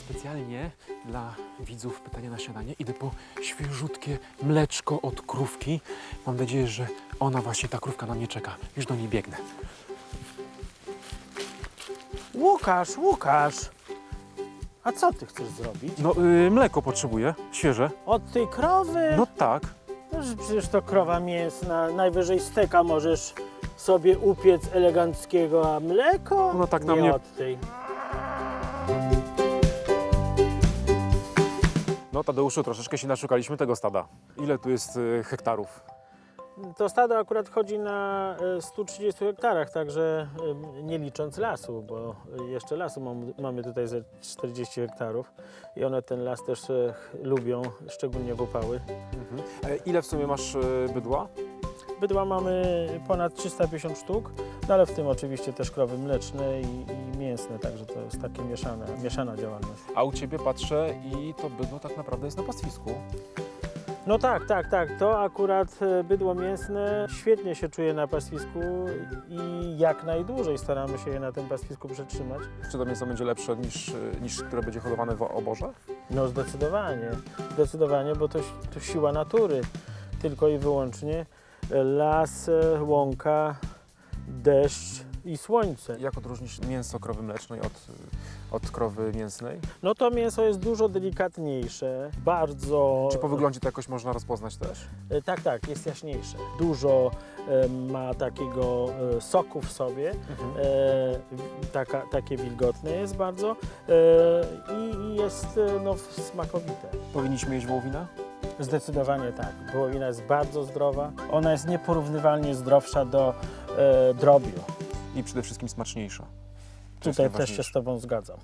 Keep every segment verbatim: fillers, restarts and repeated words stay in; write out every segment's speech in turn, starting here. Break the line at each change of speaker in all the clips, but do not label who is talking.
Specjalnie dla widzów pytania na śniadanie idę po świeżutkie mleczko od krówki. Mam nadzieję, że ona właśnie, ta krówka na mnie czeka. Już do niej biegnę.
Łukasz, Łukasz! A co ty chcesz zrobić?
No, yy, mleko potrzebuję, świeże.
Od tej krowy?
No tak.
No, że przecież to krowa mięsna. Najwyżej steka możesz sobie upiec eleganckiego, a mleko?
No tak na
nie
mnie-
od tej.
No Tadeuszu, troszeczkę się naszukaliśmy tego stada. Ile tu jest yy, hektarów?
To stado akurat chodzi na e, stu trzydziestu hektarach, także e, nie licząc lasu, bo jeszcze lasu mam, mamy tutaj ze czterdzieści hektarów i one ten las też e, lubią, szczególnie w upały.
Mhm. E, ile w sumie masz yy, bydła?
Bydła mamy ponad trzysta pięćdziesiąt sztuk, no ale w tym oczywiście też krowy mleczne i, i mięsne, także to jest takie mieszane, mieszana działalność.
A u Ciebie patrzę i to bydło tak naprawdę jest na pastwisku.
No tak, tak, tak, to akurat e, bydło mięsne świetnie się czuje na pastwisku i jak najdłużej staramy się je na tym pastwisku przetrzymać.
Czy to mięso będzie lepsze niż, yy, niż które będzie hodowane w oborze?
No zdecydowanie, zdecydowanie, bo to, to siła natury, tylko i wyłącznie las, e, łąka, deszcz i słońce.
Jak odróżnić mięso krowy mlecznej od, od krowy mięsnej?
No to mięso jest dużo delikatniejsze, bardzo...
Czy po wyglądzie to jakoś można rozpoznać też?
E, Tak, tak, jest jaśniejsze. Dużo e, ma takiego e, soku w sobie,
Mhm.
e, w- taka, takie wilgotne jest bardzo e, i, i jest e, no, smakowite.
Powinniśmy jeść wołowinę?
Zdecydowanie tak. Wołowina jest bardzo zdrowa. Ona jest nieporównywalnie zdrowsza do e, drobiu.
I przede wszystkim smaczniejsza. To jest
Tutaj też się
najważniejsze.
z Tobą zgadzam.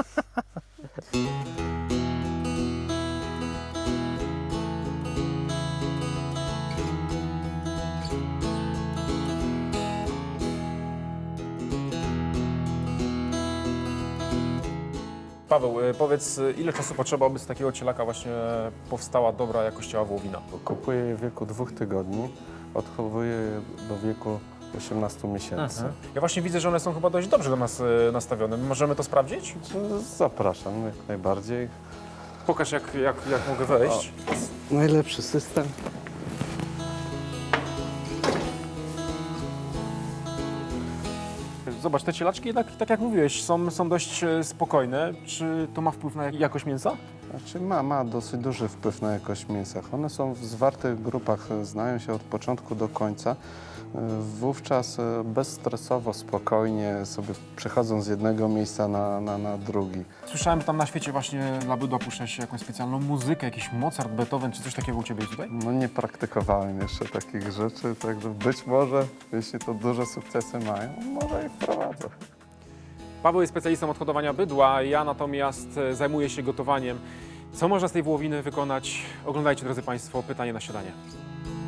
Paweł, y, powiedz, y, ile czasu potrzeba, aby z takiego cielaka właśnie powstała dobra jakościowa wołowina?
Kupuję je w wieku dwóch tygodni, odchowuję je do wieku osiemnastu miesięcy.
Ja właśnie widzę, że one są chyba dość dobrze do nas y, nastawione. Możemy to sprawdzić?
Zapraszam jak najbardziej.
Pokaż, jak, jak, jak mogę wejść.
Najlepszy system.
Zobacz, te cielaczki jednak, tak jak mówiłeś, są, są dość e, spokojne. Czy to ma wpływ na jak- jakość mięsa?
Znaczy ma, ma dosyć duży wpływ na jakość mięsa. One są w zwartych grupach, znają się od początku do końca. Wówczas e, bezstresowo, spokojnie sobie przechodzą z jednego miejsca na, na, na drugi.
Słyszałem, że tam na świecie właśnie dla bydła puszcza się jakąś specjalną muzykę, jakiś Mozart, Beethoven, czy coś takiego u Ciebie jest tutaj?
No nie praktykowałem jeszcze takich rzeczy, także być może, jeśli to duże sukcesy mają, może ich wprowadzę.
Paweł jest specjalistą od hodowania bydła, ja natomiast e, zajmuję się gotowaniem. Co można z tej wołowiny wykonać? Oglądajcie, drodzy Państwo, pytanie na śniadanie.